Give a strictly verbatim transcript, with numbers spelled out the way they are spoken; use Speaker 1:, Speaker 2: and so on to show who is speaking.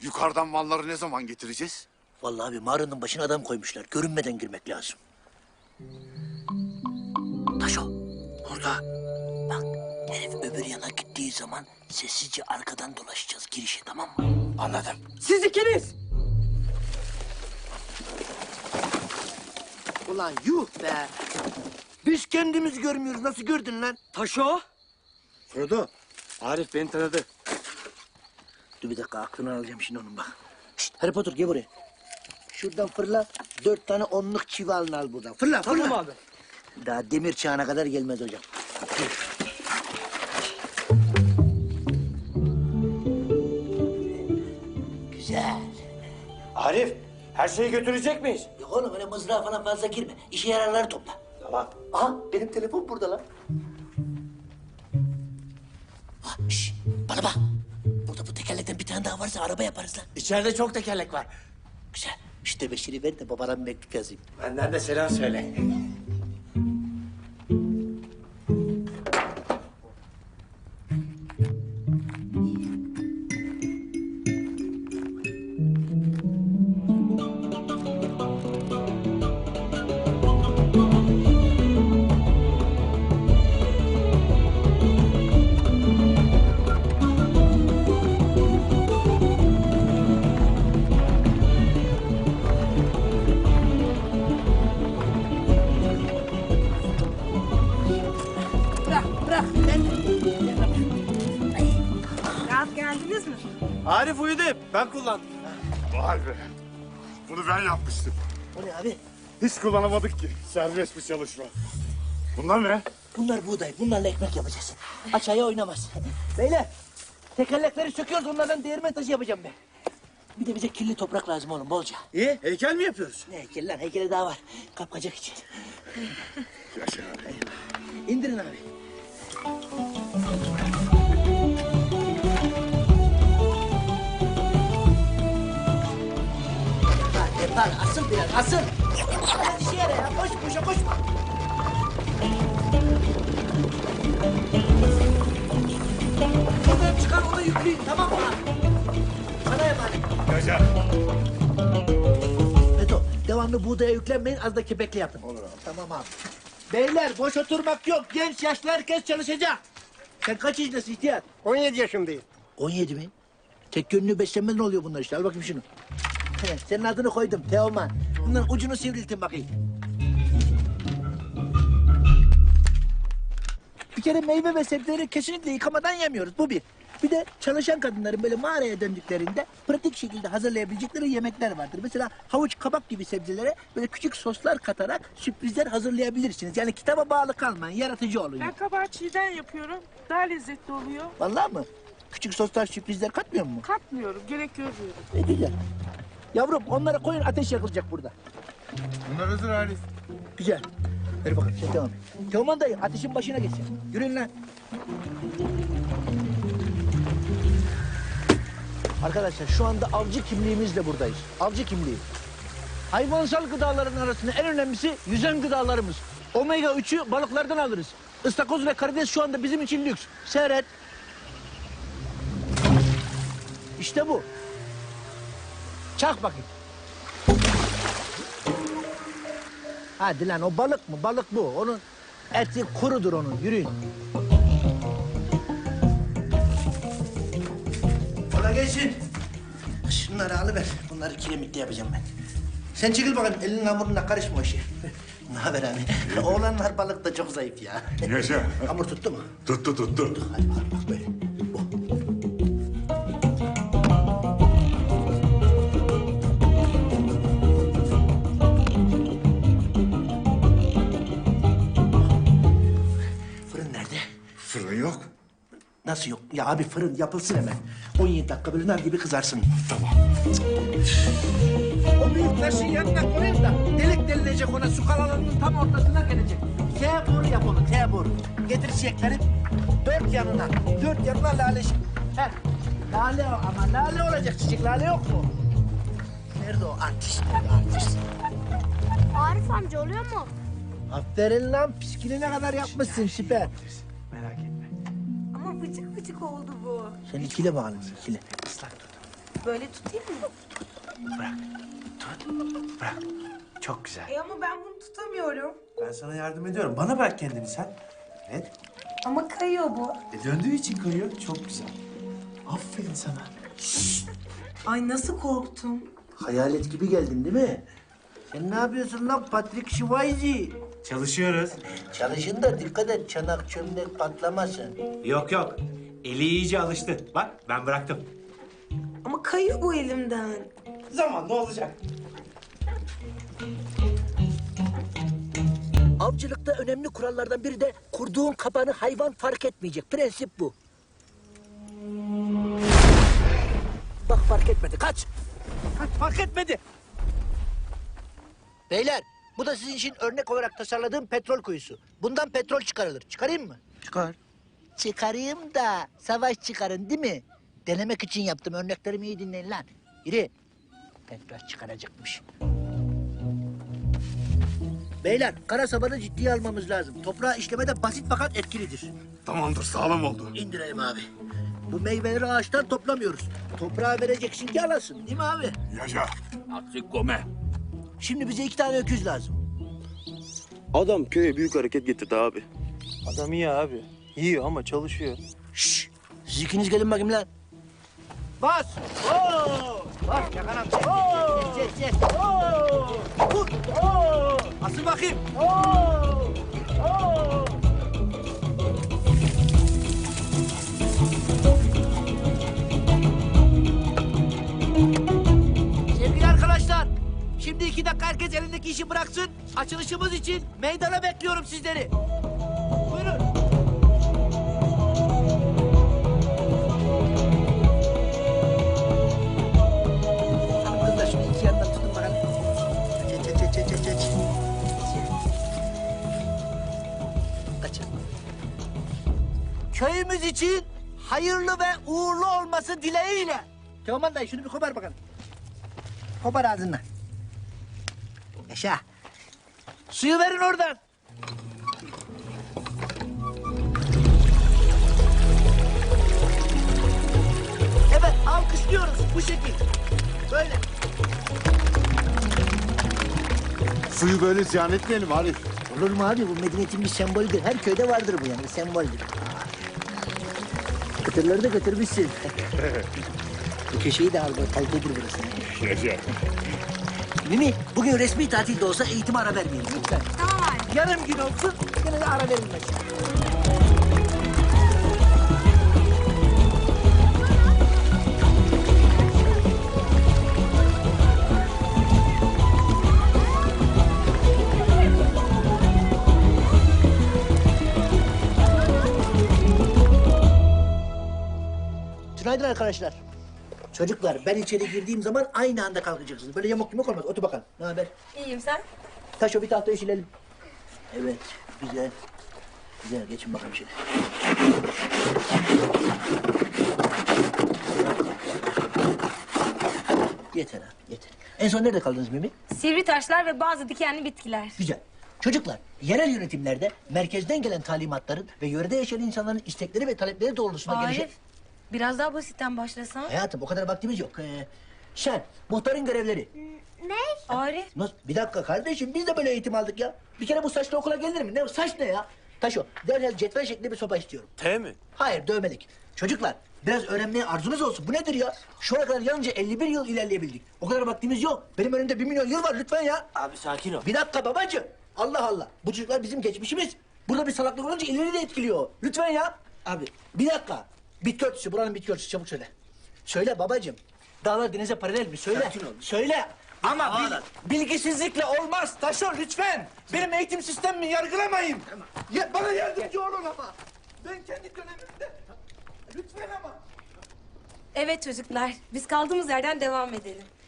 Speaker 1: Yukarıdan malları ne zaman getireceğiz?
Speaker 2: Vallahi abi mağaranın başına adam koymuşlar. Görünmeden girmek lazım. Taşo. Burada. Bak herif öbür yana gittiği zaman sessizce arkadan dolaşacağız girişe, tamam mı?
Speaker 1: Anladım.
Speaker 3: Siz ikiniz!
Speaker 2: Ulan yuh be. Biz kendimizi görmüyoruz. Nasıl gördün lan?
Speaker 3: Taşo!
Speaker 2: Frodo.
Speaker 3: Arif beni tanıdı.
Speaker 2: Dur bir dakika, aklını alacağım şimdi onun bak. Şişt, Harry Potter gel buraya. Şuradan fırla. Dört tane onluk çivi alın al buradan. Fırla fırla.
Speaker 3: Tamam abi.
Speaker 2: Daha demir çağına kadar gelmez hocam. Güzel.
Speaker 3: Arif, her şeyi götürecek miyiz?
Speaker 2: Yok oğlum öyle mızrağa falan fazla girme. İşe yararları topla.
Speaker 3: Tamam.
Speaker 2: Aha benim telefon burada lan. Ha, şş, bana bak. Burada bu tekerlekten bir tane daha varsa araba yaparız lan.
Speaker 3: İçeride çok tekerlek var.
Speaker 2: Güzel. İşte beşiri ver de babana bir mektup yazayım.
Speaker 3: Benden de selam söyle.
Speaker 2: Bırak bırak.
Speaker 4: Rahat geldiniz mi?
Speaker 3: Arif uyudu hep. Ben kullandım.
Speaker 1: Vay be. Bunu ben yapmıştım.
Speaker 2: O ne abi?
Speaker 1: Hiç kullanamadık ki. Serbest bir çalışma. Bunlar ne?
Speaker 2: Bunlar buğday. Bunlarla ekmek yapacağız. Aşağıya oynamaz. Beyler tekerlekleri söküyoruz. Onlardan değirmen taşı yapacağım ben. Bir de bize kirli toprak lazım oğlum bolca.
Speaker 3: İyi, heykel mi yapıyoruz?
Speaker 2: Ne heykeli lan? Heykeli daha var. Kapkacak için.
Speaker 1: Yaşa abi.
Speaker 2: İndirin abi. Hadi yapar. Asıl biraz. Asıl. Hadi işe yara ya. Koş koşa koşma. Oradan çıkar onu yükleyin. Tamam mı? Sana emanet.
Speaker 1: Yaşa.
Speaker 2: Beto, devamlı buğdaya yüklenmeyin, az da kepekli yapın.
Speaker 1: Olur abi.
Speaker 2: Tamam abi. Beyler, boş oturmak yok. Genç, yaşlı herkes çalışacak. Sen kaç yaşındasın ihtiyar?
Speaker 5: on yedi yaşındayım.
Speaker 2: on yedi mi? Tek yönlü beslenmeden oluyor bunlar işte. Al bakayım şunu. He, senin adını koydum, Teoman. Bunların ucunu sivriltin bakayım. Bir kere meyve ve sebzeleri kesinlikle yıkamadan yemiyoruz. Bu bir. Bir de çalışan kadınların böyle mağaraya döndüklerinde pratik şekilde hazırlayabilecekleri yemekler vardır. Mesela havuç, kabak gibi sebzelere böyle küçük soslar katarak sürprizler hazırlayabilirsiniz. Yani kitaba bağlı kalmayın, yaratıcı olun.
Speaker 4: Ben kabağı çiğden yapıyorum. Daha lezzetli oluyor.
Speaker 2: Vallahi mı? Küçük soslar, sürprizler katmıyor mu?
Speaker 4: Katmıyorum, gerek görmüyorum.
Speaker 2: E güzel. Yavrum onları koyun, ateş yakılacak burada.
Speaker 1: Bunlar hazır Arif.
Speaker 2: Güzel. Ver bakalım sen devam et. Teoman dayı ateşin başına geç sen. Yürüyün lan. Arkadaşlar şu anda avcı kimliğimizle buradayız. Avcı kimliği. Hayvansal gıdaların arasında en önemlisi yüzen gıdalarımız. Omega üçü balıklardan alırız. Istakoz ve karides şu anda bizim için lüks. Seyret. İşte bu. Çak bakayım. Hadi lan o balık mı? Balık bu. Onun eti kurudur onun. Yürüyün. Kolay gelsin. Şunları alıver. Bunları kiremitte yapacağım ben. Sen çekil bakalım. Elinin hamuruna karışma o işe. Ne haber abi? Oğlanlar balık da çok zayıf ya.
Speaker 1: Yaşa.
Speaker 2: Hamur tuttu mu?
Speaker 1: Tuttu tuttu.
Speaker 2: Hadi bakalım bak böyle. Bu. Fırın nerede?
Speaker 1: Fırın yok.
Speaker 2: Nasıl yok? Ya abi fırın yapılsın hemen. on yedi dakika böyle nar gibi kızarsın.
Speaker 1: Tamam.
Speaker 2: O büyük taşın yanına koyayım da delik delilecek ona, su kalalarının tam ortasına gelecek. T boru yap onu, T boru. Getir çiçekleri dört yanına, dört yanına lale. Heh, lale o ama lale olacak çiçek, lale yok mu? Nerede o artist, nerede artist?
Speaker 6: Arif amca oluyor mu?
Speaker 2: Aferin lan, piskili ne kadar yapmışsın, süper.
Speaker 3: Merak etme.
Speaker 4: Ama vıcık vıcık oldu bu.
Speaker 2: Sen ikile bakalım, ikile.
Speaker 3: Islak tut.
Speaker 5: Böyle tutayım mı?
Speaker 2: Bırak. Tut. Bırak. Çok güzel.
Speaker 5: E ama ben bunu tutamıyorum.
Speaker 2: Ben sana yardım ediyorum. Bana bırak kendini sen. Evet.
Speaker 5: Ama kayıyor bu.
Speaker 2: E döndüğü için kayıyor. Çok güzel. Aferin sana.
Speaker 5: Ay nasıl korktum.
Speaker 2: Hayalet gibi geldin değil mi? Sen ne yapıyorsun lan Patrick Swayze?
Speaker 3: Çalışıyoruz.
Speaker 2: Çalışın da dikkat et çanak çömlek patlamasın.
Speaker 3: Yok yok. Eli iyice alıştı. Bak ben bıraktım.
Speaker 5: Ama kayıyor bu elimden.
Speaker 3: Zamanla olacak.
Speaker 7: Avcılıkta önemli kurallardan biri de kurduğun kapanı hayvan fark etmeyecek. Prensip bu. Bak fark etmedi. Kaç. Kaç fark etmedi. Beyler bu da sizin için örnek olarak tasarladığım petrol kuyusu. Bundan petrol çıkarılır. Çıkarayım mı?
Speaker 2: Çıkar.
Speaker 7: Çıkarayım da savaş çıkarın değil mi? Denemek için yaptım. Örneklerimi iyi dinleyin lan. Yürü. Petrol çıkaracakmış. Beyler, kara sabanı ciddiye almamız lazım. Toprağı işlemede basit fakat etkilidir.
Speaker 1: Tamamdır sağlam oldu.
Speaker 7: İndirelim abi. Bu meyveleri ağaçtan toplamıyoruz. Toprağa vereceksin ki alasın, değil mi abi?
Speaker 1: Yaşa.
Speaker 7: Şimdi bize iki tane öküz lazım.
Speaker 8: Adam köye büyük hareket getirdi abi.
Speaker 9: Adam iyi abi. Yiyor ama çalışıyor.
Speaker 7: Şşş! Siz ikiniz gelin bakayım lan.
Speaker 2: Bas. Oo. Bas Yakan amca. Oo.
Speaker 7: Çek, çek, çek.
Speaker 2: Oo. Vur. Oo. Asıl bakayım. Oo. Oo.
Speaker 7: Sevgili arkadaşlar, şimdi iki dakika herkes elindeki işi bıraksın. Açılışımız için meydana bekliyorum sizleri. Buyurun. Hanım kızlar şunu iki yandan tutun bakalım. Çek, çek, çek, çek, çek, çek. Kaçın. Köyümüz için hayırlı ve uğurlu olması dileğiyle. Teoman dayı şunu bir kopar bakalım. Kopar ağzından. Yaşa. Suyu verin oradan. Evet, alkışlıyoruz bu şekil. Böyle.
Speaker 1: Suyu böyle ziyan etmeyelim Arif.
Speaker 7: Olur mu abi? Bu medeniyetin bir sembolüdür. Her köyde vardır bu yani, bir semboldür. Kıtırları da götürmüşsün. Bu köşeyi de al, bak, kalitedir burası.
Speaker 1: Yaşa.
Speaker 7: Mimi, bugün resmi tatil de olsa eğitime ara vermeyelim lütfen.
Speaker 6: Tamam abi.
Speaker 7: Yarım gün olsun, yine de ara verilmez. Günaydın arkadaşlar. Çocuklar, ben içeri girdiğim zaman aynı anda kalkacaksınız. Böyle yamuk yumuk olmaz. Otur bakalım. Ne haber?
Speaker 5: İyiyim sen?
Speaker 7: Taş o bir tahtayı silelim. Evet, güzel. Güzel, geçin bakalım şöyle. Yeter ha, yeter. En son nerede kaldınız Mimi?
Speaker 5: Sivri taşlar ve bazı dikenli bitkiler.
Speaker 7: Güzel. Çocuklar, yerel yönetimlerde merkezden gelen talimatların ve yörede yaşayan insanların istekleri ve talepleri doğrultusunda gelişen...
Speaker 5: Arif, biraz daha basitten başlasan.
Speaker 7: Hayatım, o kadar vaktimiz yok. Ee, Şen, muhtarın görevleri.
Speaker 6: Ne?
Speaker 5: Arif,
Speaker 7: Nasıl? Bir dakika kardeşim, biz de böyle eğitim aldık ya. Bir kere bu saçla okula gelir mi? Ne saç ne ya? Taşo, derhal cetvel şeklinde bir sopa istiyorum.
Speaker 9: T mi?
Speaker 7: Hayır, dövmelik. Çocuklar, biraz öğrenmeye arzunuz olsun. Bu nedir ya? Şu ana kadar yalnızca elli bir yıl ilerleyebildik. O kadar vaktimiz yok. Benim önümde bir milyon yıl var lütfen ya.
Speaker 9: Abi sakin ol.
Speaker 7: Bir dakika babacığım. Allah Allah. Bu çocuklar bizim geçmişimiz. Burada bir salaklık olunca ileri de etkiliyor. Lütfen ya. Abi bir dakika. Bitki örtüsü, buranın bitki örtüsü. Çabuk söyle. Söyle babacığım. Dağlar denize paralel mi? Söyle. Söyle.
Speaker 2: Ama bil, bilgisizlikle olmaz. Taşo lütfen. Benim eğitim sistemimi yargılamayın. Ya, bana yardımcı olun ama. Ben kendi dönemimde. Lütfen ama.
Speaker 5: evet çocuklar, biz kaldığımız yerden devam edelim.